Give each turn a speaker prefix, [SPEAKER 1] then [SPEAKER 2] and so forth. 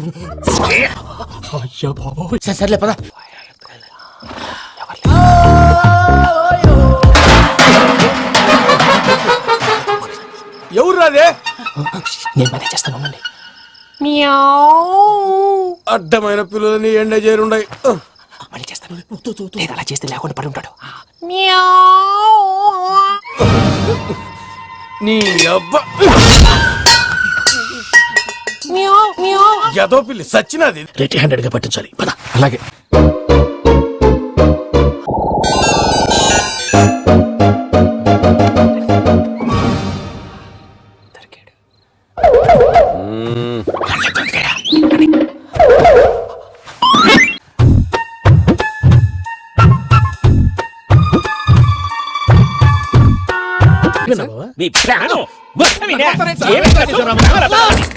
[SPEAKER 1] అయ్యా బాబోయ్. సర్లే పద.
[SPEAKER 2] ఎవరు రాదే?
[SPEAKER 1] నేను మేనేజ్ చేస్తాను ఉండండి.
[SPEAKER 2] అడ్డమైన పిల్లలని ఎండ చేరుండయి.
[SPEAKER 1] మళ్ళీ చేస్తాను. లేదు అలా చేస్తే లేకుండా పడి ఉంటాడు.
[SPEAKER 2] నీ అబ్బా ఎదో పిల్లి సచ్చినది.
[SPEAKER 1] రెడీ హ్యాండెడ్ గా పట్టించాలి. పద.
[SPEAKER 2] అలాగే.
[SPEAKER 1] మీ ప్లాను